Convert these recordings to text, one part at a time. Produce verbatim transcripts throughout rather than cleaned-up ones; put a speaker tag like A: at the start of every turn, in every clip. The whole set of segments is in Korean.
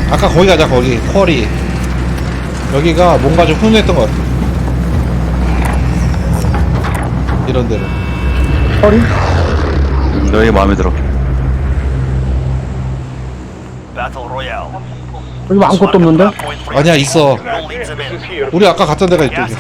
A: 아까 거기 가자. 거기 쿼리. 여기가 뭔가 좀 훈훈했던 것 같아. 이런 데로.
B: 허리?
C: 음, 너 이게 마음에 들어.
B: 여기 뭐 아무것도 없는데?
A: 아니야, 있어. 우리 아까 갔던 데가 이쪽이야.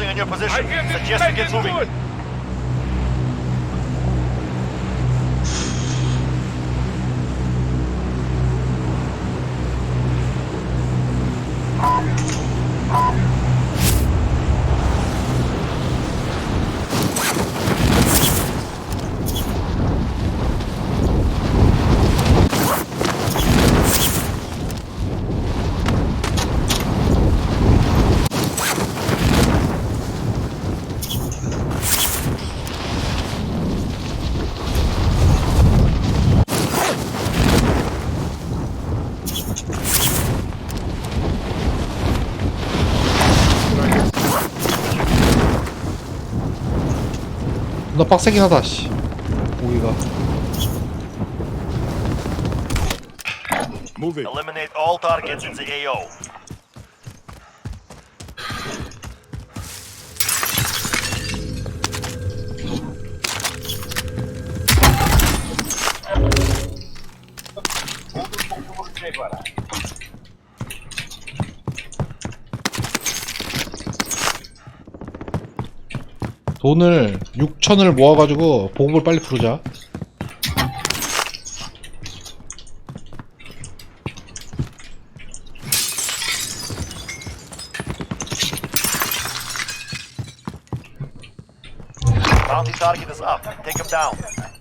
A: 나 빡세긴 하다, 씨. 고기가.
D: Eliminate all targets in the A O.
A: 돈을 육천을 모아가지고 보급을 빨리 부르자.
D: Bounty target is up. Take him down.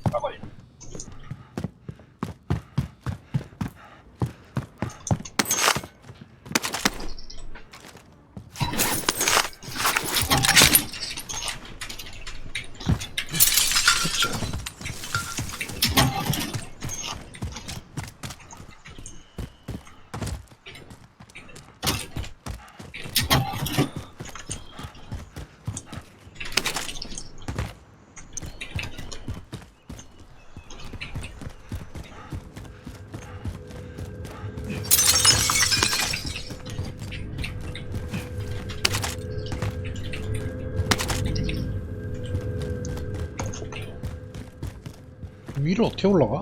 A: 위로 어떻게 올라가?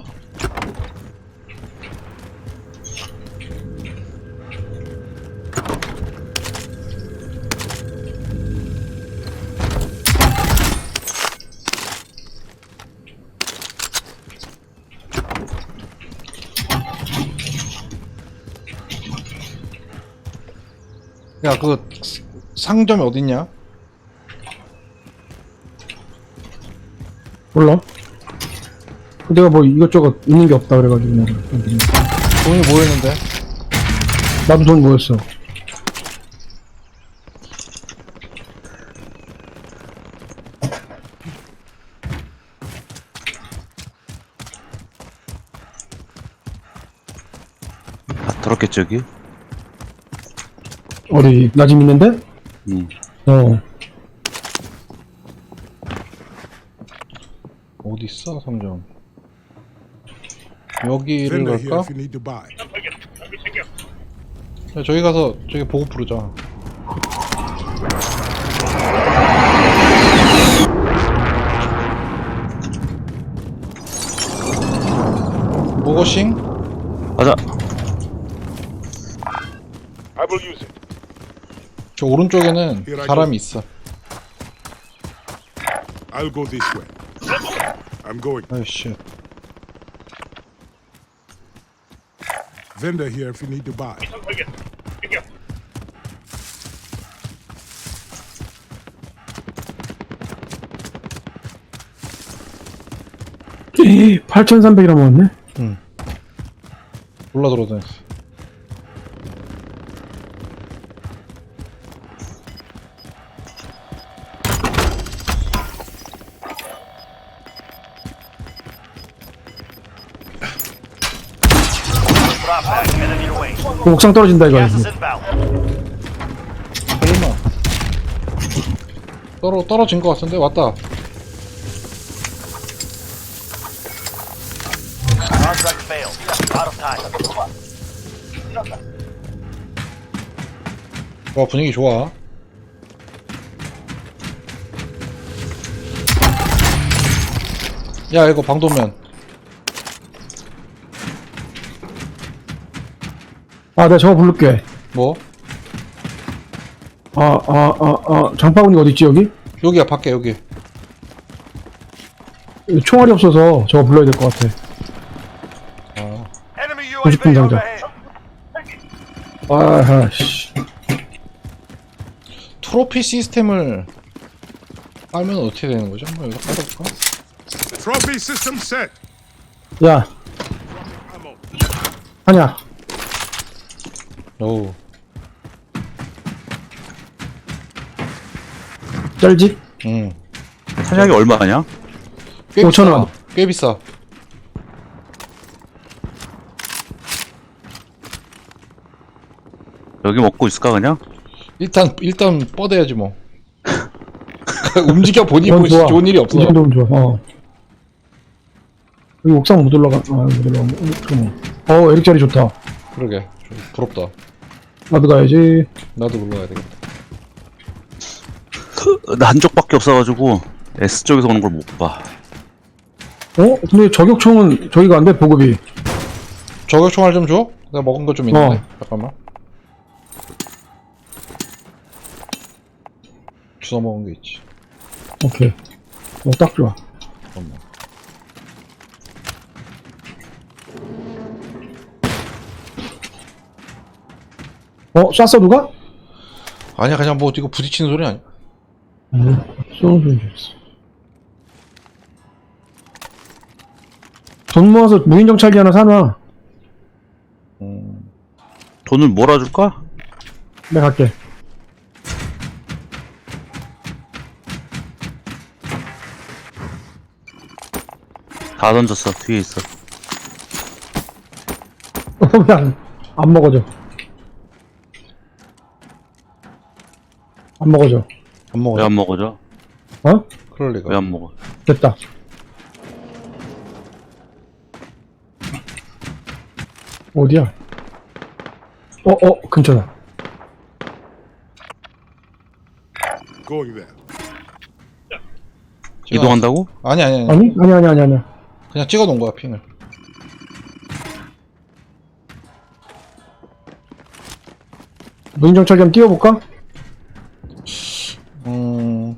A: 야, 그 상점이 어딨냐?
B: 몰라. 내가 뭐 이것저것 있는 게 없다 그래가지고 그냥 여기.
A: 돈이 모였는데.
B: 나도 돈 모였어.
C: 아, 더럽겠지, 여기?
B: 어디 나 집 있는데?
C: 응.
B: 어.
A: 어디 있어 상점? 여기를
E: Vendor here
A: 갈까?
E: if you need to buy.
A: 야, 저기 가서 저기 보급 부르자. 보고싱?
C: 가자.
E: I will use it.
A: 저 오른쪽에는 사람이 있어.
E: I'll go this way. I'm going.
A: 아이씨.
E: Vendor here if you need to buy.
B: 팔천삼백이나 먹었네?
A: 올라 들어다녔어.
D: Drop back. Headed your way.
B: 그 옥상 떨어진다 이거.
D: Gas is inbound.
A: 설마. 떨어, 떨어진 것 같은데? 왔다.
D: Contract failed. Out of time.
A: 와, 분위기 좋아. 야, 이거 방도면.
B: 아, 내가 저거 부를게.
A: 뭐?
B: 아, 아, 아, 아, 장바구니가 어딨지, 여기?
A: 여기야, 밖에, 여기.
B: 여기 총알이 없어서 저거 불러야 될 것 같아.
A: 아,
D: Enemy
B: 구십 분
D: U A V
B: 정도.
D: overhead.
B: 아하, 씨.
A: 트로피 시스템을 깔면 어떻게 되는 거죠? 한번 여기다 깔아볼까?
E: Trophy system set.
B: 야,
E: Ammo.
B: 하냐.
A: 오,
B: 짤집?
A: 응.
C: 사냥이 얼마냐?
A: 꽤
B: 오천
A: 비싸.
B: 원.
A: 꽤 비싸.
C: 여기 먹고 있을까 그냥?
A: 일단, 일단 뻗어야지 뭐. 움직여 보니
B: 이건
A: 뭐
B: 좋아.
A: 좋은 일이 없어.
B: 이 정도면 좋아, 어. 여기 옥상 못 올라가, 아, 못 올라가. 어, 잠깐만. 어, 에릭 자리 좋다.
A: 그러게. 좀 부럽다.
B: 나도 가야지.
A: 나도 불러야 되겠다.
C: 나 한쪽밖에 없어가지고 S 쪽에서 오는 걸 못 봐.
B: 어? 근데 저격총은 저기가 안 돼, 보급이.
A: 저격 총알 좀 줘? 내가 먹은 거 좀 있는데.
B: 어.
A: 잠깐만. 주워 먹은 게 있지.
B: 오케이. 어, 딱 좋아.
A: 잠깐만.
B: 어, 쐈어, 누가?
A: 아니야, 그냥 뭐 이거 부딪히는 소리 아니야?
B: 응, 쏘는 소리 줬어. 돈 모아서 무인정찰기 하나 사놔.
A: 음.
C: 돈을 몰아줄까?
B: 내가 갈게.
C: 다 던졌어. 뒤에 있어.
B: 왜 안, 안 먹어져. 안 먹어져.
A: 안 먹어.
C: 왜 안 먹어져?
B: 어?
A: 그럴 리가.
C: 왜 안 먹어?
B: 됐다. 어디야? 어, 어, 근처다.
E: Going there.
A: 찍어-
C: 이동한다고?
A: 아니, 아니, 아니.
B: 아니? 아니, 아니, 아니, 아니.
A: 그냥 찍어 놓은 거야, 핑을.
B: 무인정찰기 한번 띄워볼까?
A: 음.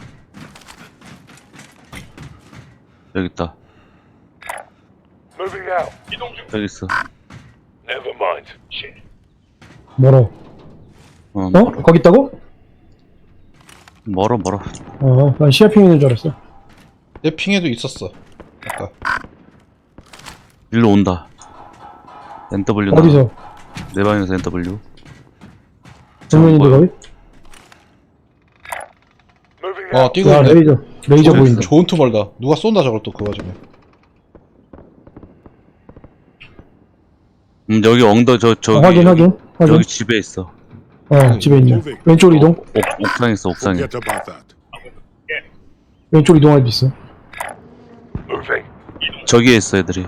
C: 여기 있다.
E: Moving out.
C: 여기 있어.
E: Never mind. Shit.
B: 멀어.
C: 어,
B: 어?
C: 멀어.
B: 거기 있다고?
C: 멀어, 멀어.
B: 어, 난 시야핑 있는 줄 알았어.
A: 내 핑에도 있었어. 아까.
C: 일로 온다. 엔 더블유.
B: 어디서?
C: 내 방에서 엔 더블유.
B: 정면인데
C: 뭐야?
B: 거기?
E: Moving
A: 어,
E: out.
A: 뛰고
B: 야,
A: 있네.
B: 레이저. 레이저
A: 좋은-
B: 보인다.
A: 좋은 투 멀다. 누가 쏜다, 저걸 또, 그 와중에.
C: 음, 여기 엉더, 저, 저기.
B: 어, 확인,
C: 여기,
B: 확인. 확인.
C: 여기 집에 있어.
B: 어, 집에 있네. 왼쪽 이동.
C: 옥, 옥상에 있어, 옥상에.
E: Forget about that.
B: 왼쪽 이동할 수 있어.
E: Moving.
C: 저기에 있어, 애들이.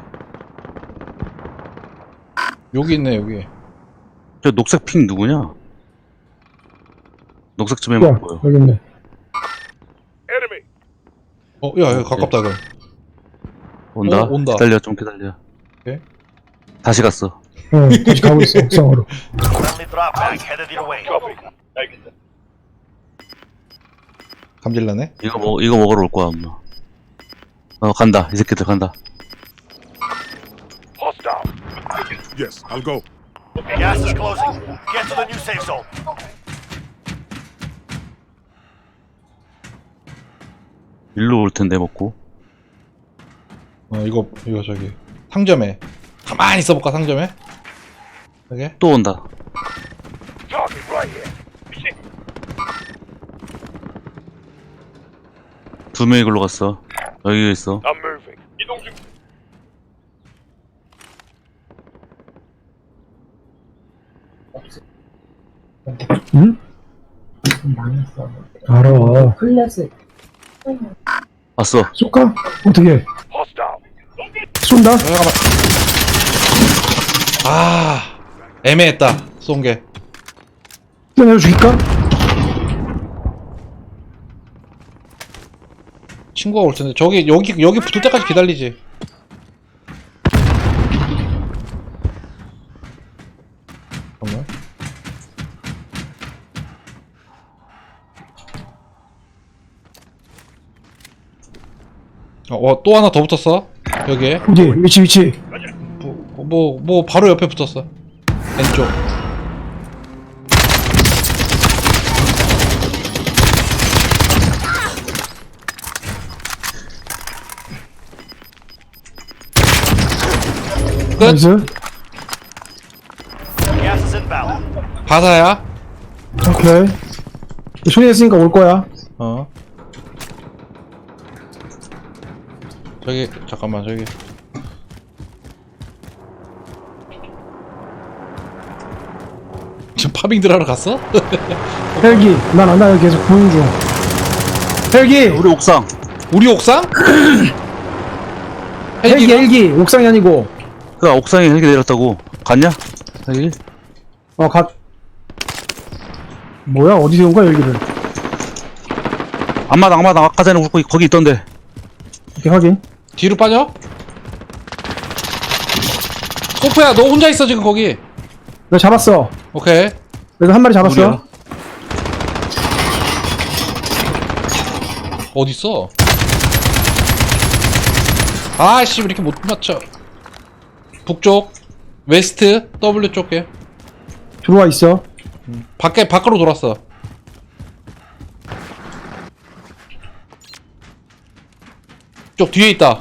A: 여기 있네, 여기.
C: 저 녹색 핑 누구냐? 녹색 좀
B: 야,
C: 해봐, 보여.
B: 여기 있네.
E: Enemy.
A: 어, 야, 야, 가깝다, 이건.
C: 온다?
A: 어, 온다.
C: 기다려, 좀 기다려.
A: 오케이.
C: 다시 갔어.
B: 응, 다시 가고 있어, 옥상으로.
D: Friendly drop back headed your way.
E: Copy.
A: 감질나네?
C: 이거 먹, 이거 먹으러 올 거야, 엄마. 어, 간다. 이 새끼들 간다.
E: Hostile. Yes, I'll go.
D: Gas is closing. Get to the new safe zone.
C: 일로 올 텐데, 먹고.
A: 어, 이거, 이거 저기. 상점에. 가만히 있어볼까, 상점에? 여기?
C: 또 온다.
E: Target right here.
C: 두 명이 글로 갔어. 여기 있어.
E: I'm moving. 이동 중.
B: 응? 알아.
F: 클래식.
C: 왔어.
B: 쏠까? 어떻게?
E: Hostile.
B: 쏜다?
A: 잠깐만. 아, 애매했다, 쏜 게.
B: 뛰어내려 죽일까?
A: 친구가 올 텐데 저기 여기 여기 붙을 때까지 기다리지. 잠깐만. 어, 또 하나 더 붙었어. 여기에.
B: 어디? 위치 위치.
A: 뭐, 뭐, 뭐 바로 옆에 붙었어. 왼쪽. 끝.
B: 나이스.
D: Gas is inbound.
A: 바다야.
B: 오케이. 소리했으니까 올 거야.
A: 어. 저기 잠깐만 저기. 지금 파밍들 하러 갔어?
B: 헬기. 난 안 나요. 계속 보는 중. 헬기.
C: 우리 옥상.
A: 우리 옥상?
B: 헬기
A: 헬기가?
B: 헬기. 옥상이 아니고.
C: 그 옥상에 헬기 내렸다고. 갔냐? 헬기?
B: 어 갓. 뭐야? 어디서 온 거야 헬기를?
C: 앞마당 앞마당 아까 전에 거기 거기 있던데.
B: 이렇게 확인.
A: 뒤로 빠져? 소프야 너 혼자 있어 지금 거기.
B: 내가 잡았어.
A: 오케이.
B: 그래서 한 마리 잡았어.
C: 우리야?
A: 어딨어? 아씨 왜 이렇게 못 맞춰. 북쪽 웨스트 W 쪽에
B: 들어와 있어.
A: 밖에 밖으로 돌았어. 쪽 뒤에 있다.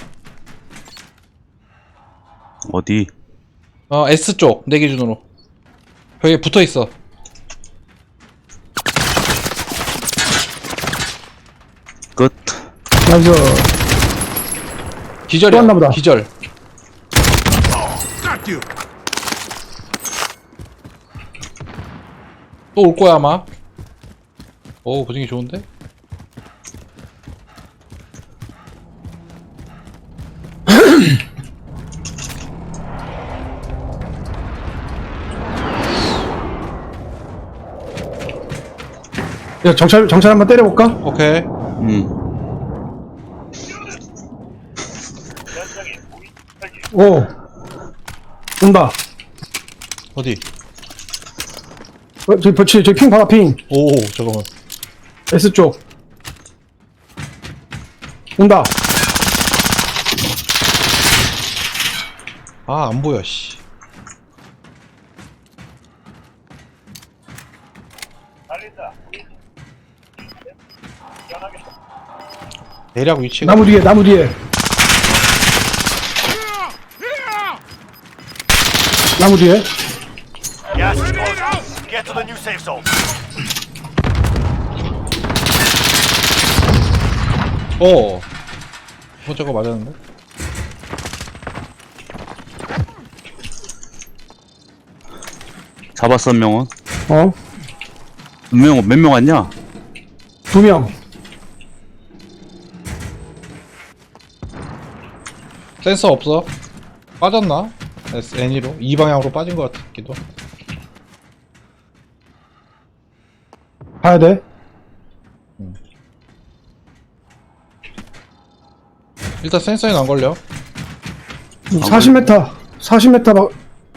C: 어디?
A: 어 S 쪽 내 기준으로 벽에 붙어 있어.
C: 끝.
B: 나이스.
A: 기절이야.
B: 또 왔나 보다.
A: 기절.
E: Got you.
A: 또 올 거야 아마. 오 분위기 좋은데?
B: 야 정찰 정찰 한번 때려볼까?
A: 오케이.
C: 음.
B: 오. 온다.
A: 어디?
B: 어, 저기 저기 저기 핑 봐봐 핑.
A: 오 잠깐만.
B: S 쪽. 온다.
A: 아 안 보여 씨. 대략 위치가
B: 나무 뒤에 나무 뒤에. 나무 뒤에.
D: Gas is closing. Get to the new safe zone.
A: 어. 어 저거 맞았는데?
C: 잡았어 한 명은.
B: 어.
C: 몇 명 몇 명 왔냐?
B: 두 명.
A: 센서 없어? 빠졌나? N이로? 이 방향으로 빠진 것 같기도.
B: 가야 돼.
A: 일단 센서에는 안 걸려.
B: 사십 미터. 사십 미터 막.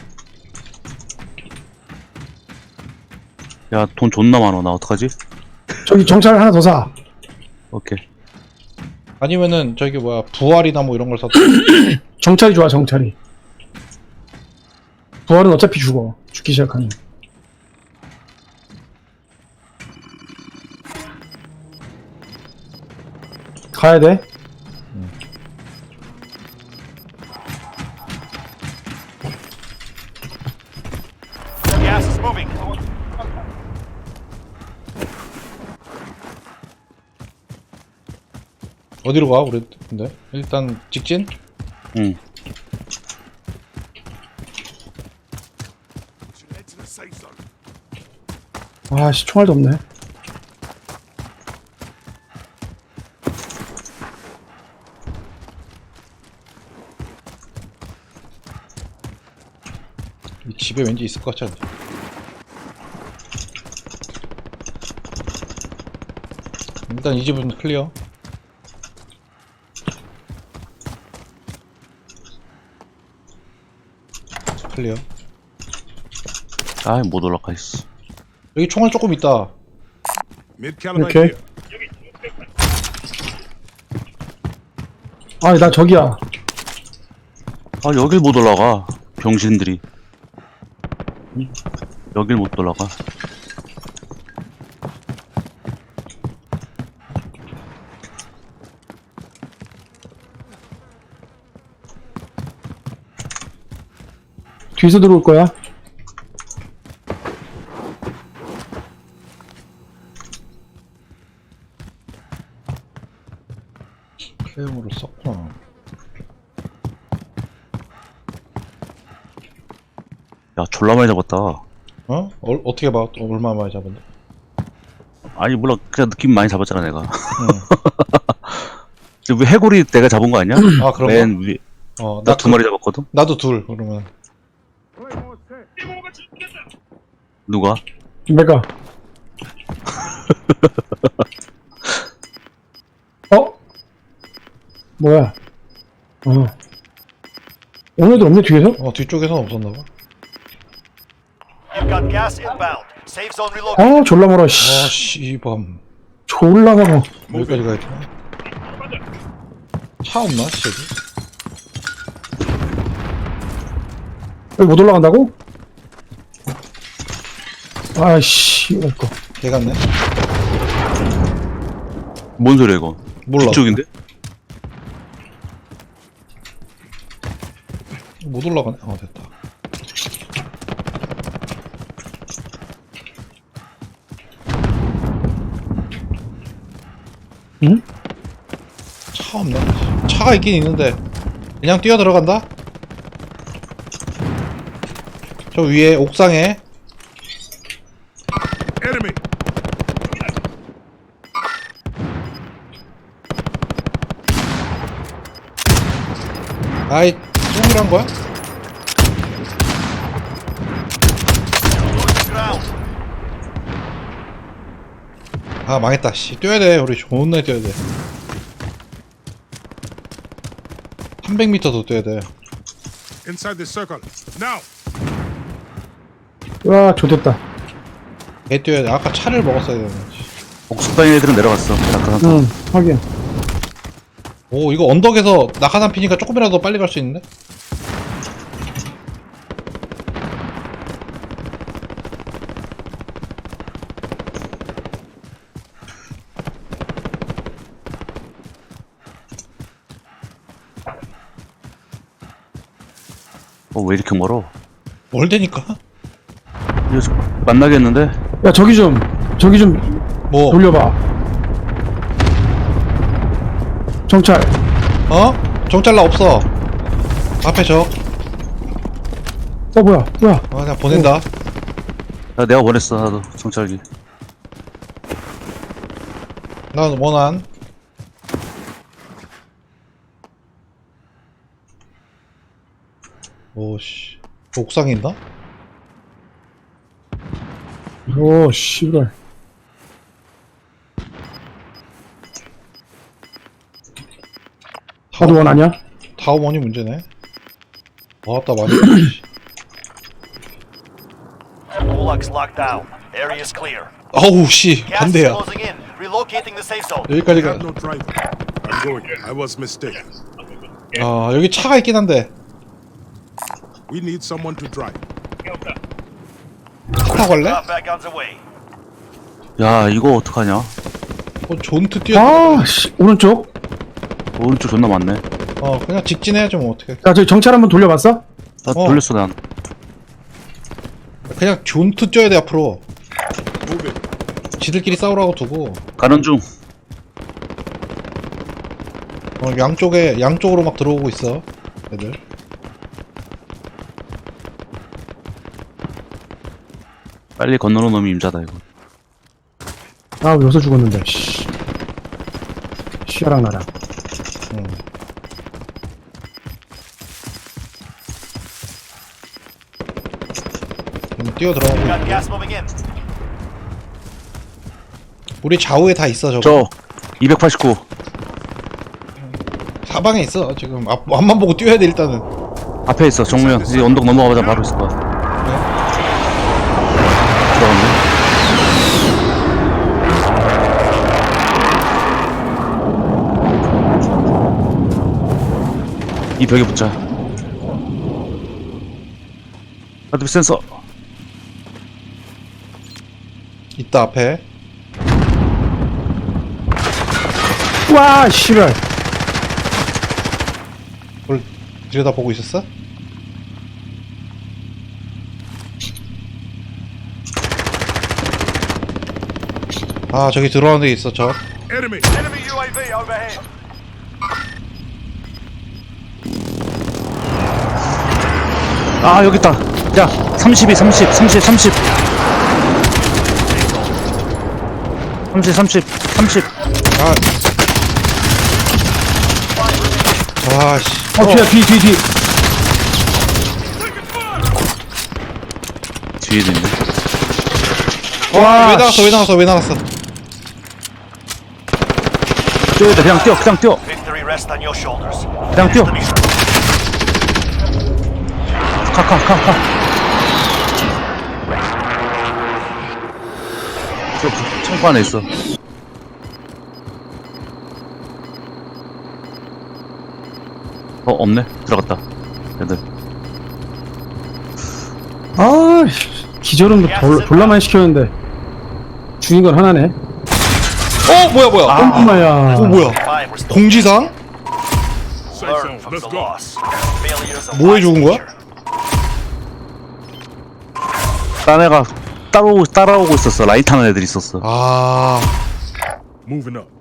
C: 야 돈 존나 많아. 나 어떡하지?
B: 저기 정찰 하나 더 사.
C: 오케이.
A: 아니면은 저기 뭐야 부활이나 뭐 이런 걸 샀다.
B: 정찰이 좋아 정찰이. 부활은 어차피 죽어. 죽기 시작하면. 가야 돼.
D: Gas is moving.
A: 어디로 가 우리 근데? 일단 직진?
C: 응.
E: Head to the safe zone.
B: 아씨 총알도 없네.
A: 이 집에 왠지 있을 것 같지 않냐? 일단 이 집은 클리어. 클리어.
C: 아이, 못 올라가 있어.
A: 여기 총알 조금 있다.
E: Mid caliber
B: Okay.
E: here.
B: 아, 나 저기야.
C: 아, 여길 못 올라가. 병신들이. 여길 못 올라가.
B: 뒤에서 들어올 거야.
A: K형으로 썼구나.
C: 야, 졸라 많이 잡았다.
A: 어? 어? 어떻게 봐? 또 얼마 많이 잡았네?
C: 아니, 몰라. 그냥 느낌 많이 잡았잖아, 내가.
A: 응.
C: 왜 해골이 내가 잡은 거 아니야?
A: 아, 그런
C: 맨 위에.
A: 거? 어,
C: 나
A: 나
C: 두
A: 그-
C: 마리 잡았거든?
A: 나도 둘, 그러면.
C: 누가?
B: 내가. 어? 뭐야? 어. 오늘도 없네, 뒤에서?
A: 어, 뒤쪽에서는 없었나봐.
D: You've got gas inbound. Safe zone relocated.
B: 아, 졸라 멀어,
A: 아,
B: 씨.
A: 씨밤.
B: 졸라 멀어.
A: 여기까지 가야 되나? 차 없나, 씨, 여기?
B: 여기 못 올라간다고? 아이씨, 이거.
A: 개 같네?
C: 뭔 소리야, 이거?
A: 몰라.
C: 뒤쪽인데?
A: 못 올라가네? 어, 됐다.
B: 응?
A: 차 없네. 차가 있긴 있는데 그냥 뛰어 들어간다? 저 위에 옥상에
E: Enemy.
A: 아이 똥이란 거야?
D: Losing ground.
A: 아 망했다 씨 뛰어야 돼 우리 존나 뛰어야 돼 삼백 미터 더 뛰어야 돼
E: Inside the circle. Now.
B: 와, 좋됐다.
A: 개 뛰어야 돼 아까 차를 먹었어야 되는데
C: 옥수방인 애들은 내려갔어. 낙하산.
B: 응, 확인.
A: 오 이거 언덕에서 낙하산 피니까 조금이라도 빨리 갈 수 있는데?
C: 어, 왜 이렇게 멀어?
A: 멀대니까?
C: 이거 저- 만나겠는데?
B: 야, 저기 좀, 저기 좀
A: 뭐
B: 돌려봐. 정찰.
A: 어? 정찰라 없어 앞에 적
B: 어, 뭐야, 뭐야.
A: 아, 그냥 보낸다
C: 야, 내가 보냈어, 나도. 정찰기.
A: 난 원한 오씨 옥상에 있나?
B: 오, 씨발. 하도 원 아니야?
A: 타워먼이 문제네 와따 많이
D: Gulag's locked down. Area is clear.
A: 아우 씨
D: Gas is
A: 반대야
D: closing in. Relocating the safe zone.
A: 여기까지
E: I
A: 가
E: have no driver. I'm going. I was mistaken.
A: 아 여기 차가 있긴 한데
E: We need someone to drive.
A: 차 타고 갈래?
D: Drop back on the way.
C: 야, 이거 어떡하냐?
A: 어 존트 뛰어
B: 아, 씨. 오른쪽.
C: 오른쪽 존나 많네.
A: 어 그냥 직진해야지 뭐 어떻게
B: 야, 저기 정찰 한번 돌려봤어?
C: 나
A: 어.
C: 돌렸어, 난.
A: 그냥 존트 뛰어야 돼 앞으로
E: Move it.
A: 지들끼리 싸우라고 두고
C: 가는 중.
A: 어 양쪽에 양쪽으로 막 들어오고 있어 애들
C: 빨리 건너는 놈이 임자다, 이거.
B: 아, 여기서 죽었는데, 씨. 씨야랑 나랑.
A: 응. 음, 뛰어 들어가고
D: Got
A: 있고.
D: gas moving in.
A: 우리 좌우에 다 있어 저거
C: 저, 이백팔십구.
A: 사방에 있어 지금 앞, 앞만 보고 뛰어야 돼 일단은
C: 앞에 있어 정면. 이제 언덕 넘어가자 바로 있을 거야. 들어갔네. 이 벽에 붙자. 하드비 센서.
A: 있다 앞에.
B: 와 씨발.
A: 그걸 들여다보고 있었어? 아 저기 들어오는 데 있어 저.
E: Enemy.
D: Enemy U A V overhead.
C: 아 여기 있다. 야 삼십이 삼십 삼십 삼십 삼십 삼십 삼십.
A: 아. 아씨.
B: 어 뒤야 뒤 뒤 뒤.
C: 뒤에도 있네.
A: 와, 왜 나갔어? 왜 나갔어? 왜 나갔어?
C: 뛰어야 돼. 그냥 뛰어 그냥 뛰어
D: Victory rests on your shoulders.
C: 그냥 뛰어.
D: Enemy
C: 가가가가. 저 창고 안에 있어. 어 없네. 들어갔다. 애들.
B: 아 씨, 기절은 뭐 졸, 졸라 많이 시켰는데 죽인 건 하나네.
A: 어 뭐야 뭐야?
B: 엄마야.
A: 어 뭐야?
D: five restored.
A: 공지상?
E: Safe
D: Learn
E: zone.
D: from
E: Let's
D: the
E: go.
D: loss. Failures of
A: 뭐해 죽은 거야?
C: 딴 애가 따라오고 따라오고 있었어. 라인 타는 애들 있었어.
A: 아,
E: Moving up.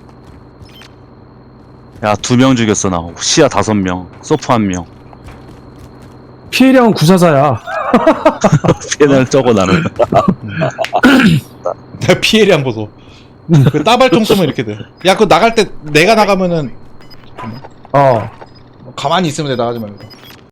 C: 야 두 명 죽였어 나. 시야 다섯 명. 소프 한 명.
B: 피해량은 구사사야.
C: 피해를 적어 나는.
A: 내 피해량 보소. 그 따발총 쏘면 이렇게 돼. 야, 그거 나갈 때 내가 나가면은
B: 어.
A: 가만히 있으면 돼 나가지 말고.